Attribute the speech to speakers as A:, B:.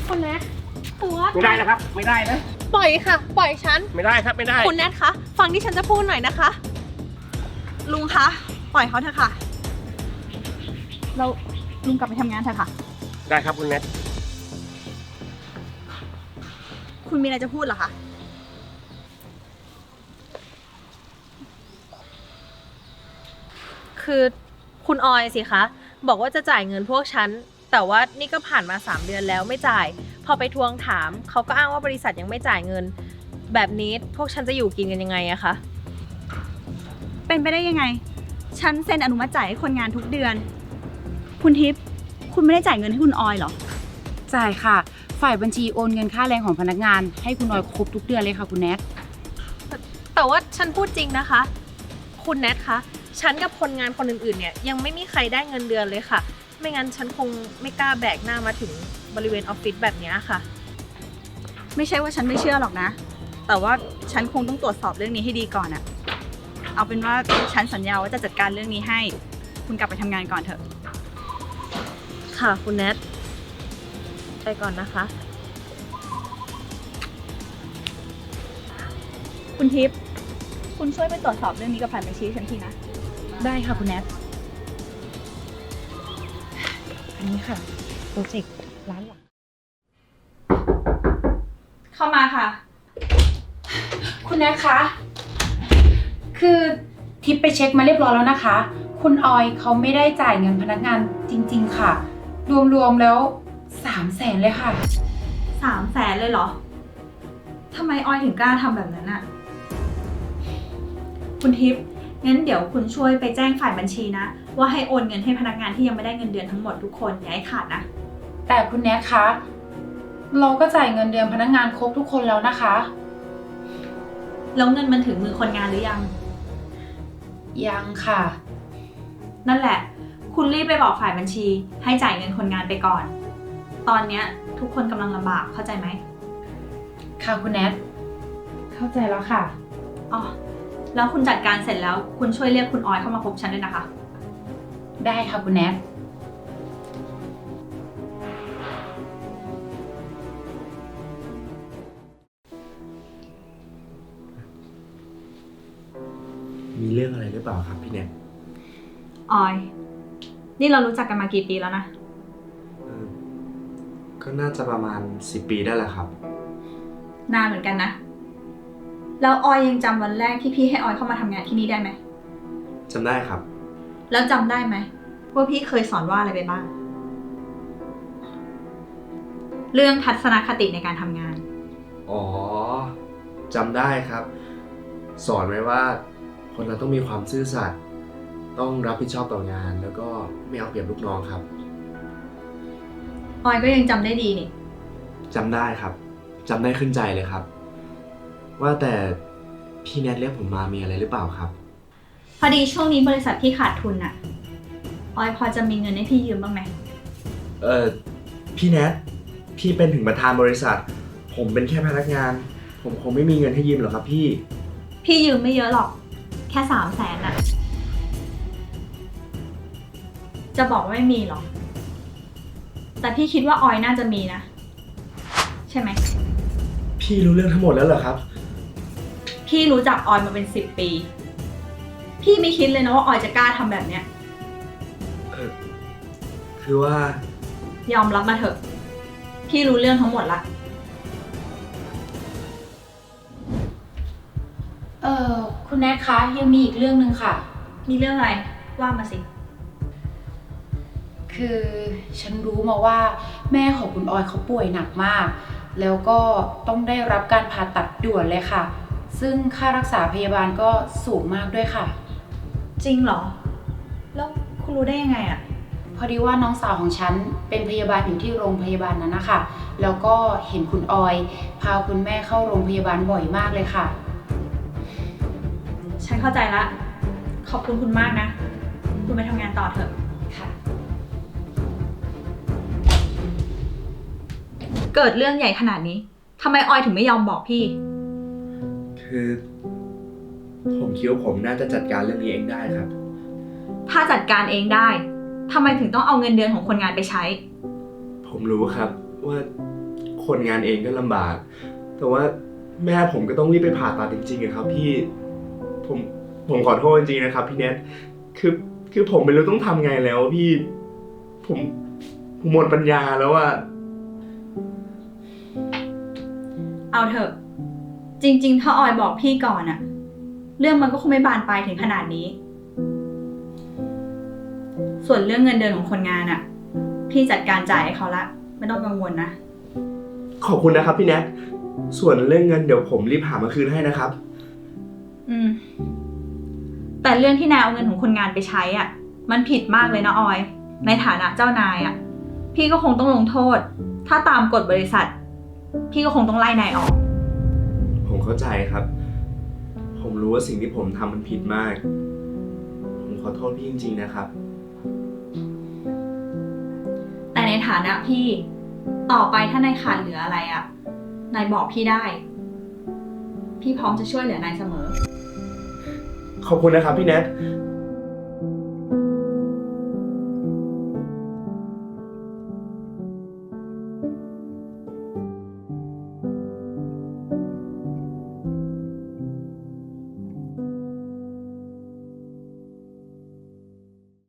A: คุณแนทคือว่า
B: ไม่ได้นะครับ ไม่ได้นะ
A: ปล่อยค่ะ ปล่อยฉัน
B: ไม่ได้ครับ ไม่ได้
A: คุณแนทคะฟังที่ฉันจะพูดหน่อยนะคะ ลุงคะปล่อยเขาเถอะค่ะเราลุงกลับไปทำงานเถอะค่ะ
B: ได้ครับคุณแนท
A: คุณมีอะไรจะพูดเหรอคะคือคุณออยสิคะบอกว่าจะจ่ายเงินพวกฉันแต่ว่านี่ก็ผ่านมา3 เดือนแล้วไม่จ่ายพอไปทวงถามเขาก็อ้างว่าบริษัทยังไม่จ่ายเงินแบบนี้พวกฉันจะอยู่กินกันยังไงอะคะเป็นไปได้ยังไงฉันเซ็นอนุมัติจ่ายให้คนงานทุกเดือนคุณทิพย์คุณไม่ได้จ่ายเงินให้คุณออยเหรอ
C: จ่ายค่ะฝ่ายบัญชีโอนเงินค่าแรงของพนักงานให้คุณออยครบทุกเดือนเลยค่ะคุณแนท
A: แต่ว่าฉันพูดจริงนะคะคุณแนทคะฉันกับคนงานคนอื่นๆเนี่ยยังไม่มีใครได้เงินเดือนเลยค่ะไม่งั้นฉันคงไม่กล้าแบกหน้ามาถึงบริเวณออฟฟิศแบบนี้ค่ะไม่ใช่ว่าฉันไม่เชื่อหรอกนะแต่ว่าฉันคงต้องตรวจสอบเรื่องนี้ให้ดีก่อนอะเอาเป็นว่าฉันสัญญาว่าจะจัดการเรื่องนี้ให้คุณกลับไปทำงานก่อนเถอะค่ะคุณแนทไปก่อนนะคะคุณทิพย์คุณช่วยไปตรวจสอบเรื่องนี้กับฝ่ายบัญชีฉันทีนะ
C: ได้ค่ะคุณแนทอันนี้ค่ะโปรเจกต์ร้านหลัง
A: เข้ามาค่ะ
C: คุณแนทคะคือทิปไปเช็คมาเรียบร้อยแล้วนะคะคุณออยเขาไม่ได้จ่ายเงินพนักงานจริงๆค่ะรวมๆแล้ว300,000เลยค่ะ
A: 300,000เลยเหรอทำไมออยถึงกล้าทำแบบนั้นอะคุณทิพย์งั้นเดี๋ยวคุณช่วยไปแจ้งฝ่ายบัญชีนะว่าให้โอนเงินให้พนักงานที่ยังไม่ได้เงินเดือนทั้งหมดทุกคนอย่าให้ขาดนะ
C: แต่คุณแนทคะเราก็จ่ายเงินเดือนพนักงานครบทุกคนแล้วนะคะ
A: แล้วเงินมันถึงมือคนงานหรือยัง
C: ยังค่ะ
A: นั่นแหละคุณรีบไปบอกฝ่ายบัญชีให้จ่ายเงินคนงานไปก่อนตอนเนี้ยทุกคนกำลังลำบากเข้าใจไหม
C: ค่ะคุณแนทเข้าใจแล้วค่ะ
A: อ๋อแล้วคุณจัดการเสร็จแล้วคุณช่วยเรียกคุณออยเข้ามาพบฉันด้วยนะคะ
C: ได้ค่ะคุณแนท
D: มีเรื่องอะไรหรือเปล่าครับพี่แนท
A: ออยนี่เรารู้จักกันมากี่ปีแล้วนะ
D: ก็น่าจะประมาณ10 ปีได้แหละครับ
A: นานเหมือนกันนะแล้วออยยังจำวันแรกที่พี่ให้ออยเข้ามาทำงานที่นี่ได้ไหม
D: จำได้ครับ
A: แล้วจำได้ไหมว่าพี่เคยสอนว่าอะไรไปบ้างเรื่องทัศนคติในการทำงาน
D: อ๋อจำได้ครับ สอนไว้ว่าคนเราต้องมีความซื่อสัตย์ต้องรับผิดชอบต่องานแล้วก็ไม่เอาเปรียบลูกน้องครับ
A: ออยก็ยังจำได้ดีนี่
D: จำได้ครับจำได้ขึ้นใจเลยครับว่าแต่พี่แนทเรียกผมมามีอะไรหรือเปล่าครับ
A: พอดีช่วงนี้บริษัทพี่ขาดทุนอะออยพอจะมีเงินให้พี่ยืมบ้างไหม
D: พี่แนทพี่เป็นถึงประธานบริษัทผมเป็นแค่พนักงานผมคงไม่มีเงินให้ยืมหรอกครับ
A: พี่ยืมไม่เยอะหรอกแค่300,000อะจะบอกว่าไม่มีหรอกแต่พี่คิดว่าออยน่าจะมีนะใช่ไหม
D: พี่รู้เรื่องทั้งหมดแล้วเหรอครับ
A: พี่รู้จักออยมาเป็น10 ปีพี่ไม่คิดเลยนะว่าออยจะกล้าทำแบบเนี้ย
D: คือว่าย
A: อมรับมาเถอะพี่รู้เรื่องทั้งหมดละ
C: คุณแนทคะยังมีอีกเรื่องนึงค่ะ
A: มีเรื่องอะไรว่ามาสิ
C: คือฉันรู้มาว่าแม่ของคุณออยเขาป่วยหนักมากแล้วก็ต้องได้รับการผ่าตัดด่วนเลยค่ะซึ่งค่ารักษาพยาบาลก็สูงมากด้วยค่ะ
A: จริงเหรอแล้วคุณรู้ได้ยังไงอะ
C: พอดีว่าน้องสาวของฉันเป็นพยาบาลอยู่ที่โรงพยาบาลนั้นนะคะแล้วก็เห็นคุณออยพาคุณแม่เข้าโรงพยาบาลบ่อยมากเลยค่ะ
A: ฉันเข้าใจละขอบคุณคุณมากนะคุณไปทำงานต่อเถอะ
C: ค่ะ
A: เกิดเรื่องใหญ่ขนาดนี้ทำไมออยถึงไม่ยอมบอกพี่
D: คือผมคิดว่าผมน่าจะจัดการเรื่องนี้เองได้ครับ
A: ถ้าจัดการเองได้ทำไมถึงต้องเอาเงินเดือนของคนงานไปใช้
D: ผมรู้ครับว่าคนงานเองก็ลำบาก แต่ว่าแม่ผมก็ต้องรีบไปผ่าตัดจริงๆอะครับพี่ผมขอโทษจริงๆนะครับพี่เน็ตคือผมไม่รู้ต้องทำไงแล้วพี่ผมหมดปัญญาแล้วอะ
E: เอาเถอะ จริงๆ ถ้าออยบอกพี่ก่อนอะเรื่องมันก็คงไม่บานปลายถึงขนาดนี้ ส่วนเรื่องเงินเดือนของคนงานอะพี่จัดการจ่ายให้เขาละ ไม่ต้องกังวลนะ
D: ขอบคุณนะครับพี่แนทส่วนเรื่องเงินเดี๋ยวผมรีบหามาคืนให้นะครับ
E: แต่เรื่องที่นายเอาเงินของคนงานไปใช้อ่ะ มันผิดมากเลยนะออย ในฐานะเจ้านายอ่ะ พี่ก็คงต้องลงโทษ ถ้าตามกฎบริษัท พี่ก็คงต้องไล่นายออก
D: ผมเข้าใจครับ ผมรู้ว่าสิ่งที่ผมทำมันผิดมาก ผมขอโทษพี่จริงๆนะครับ
E: แต่ในฐานะพี่ ต่อไปถ้านายขาดเหลืออะไรอ่ะ นายบอกพี่ได้ พี่พร้อมจะช่วยเหลือนายเสมอ
D: ขอบคุณนะครับพี่แนท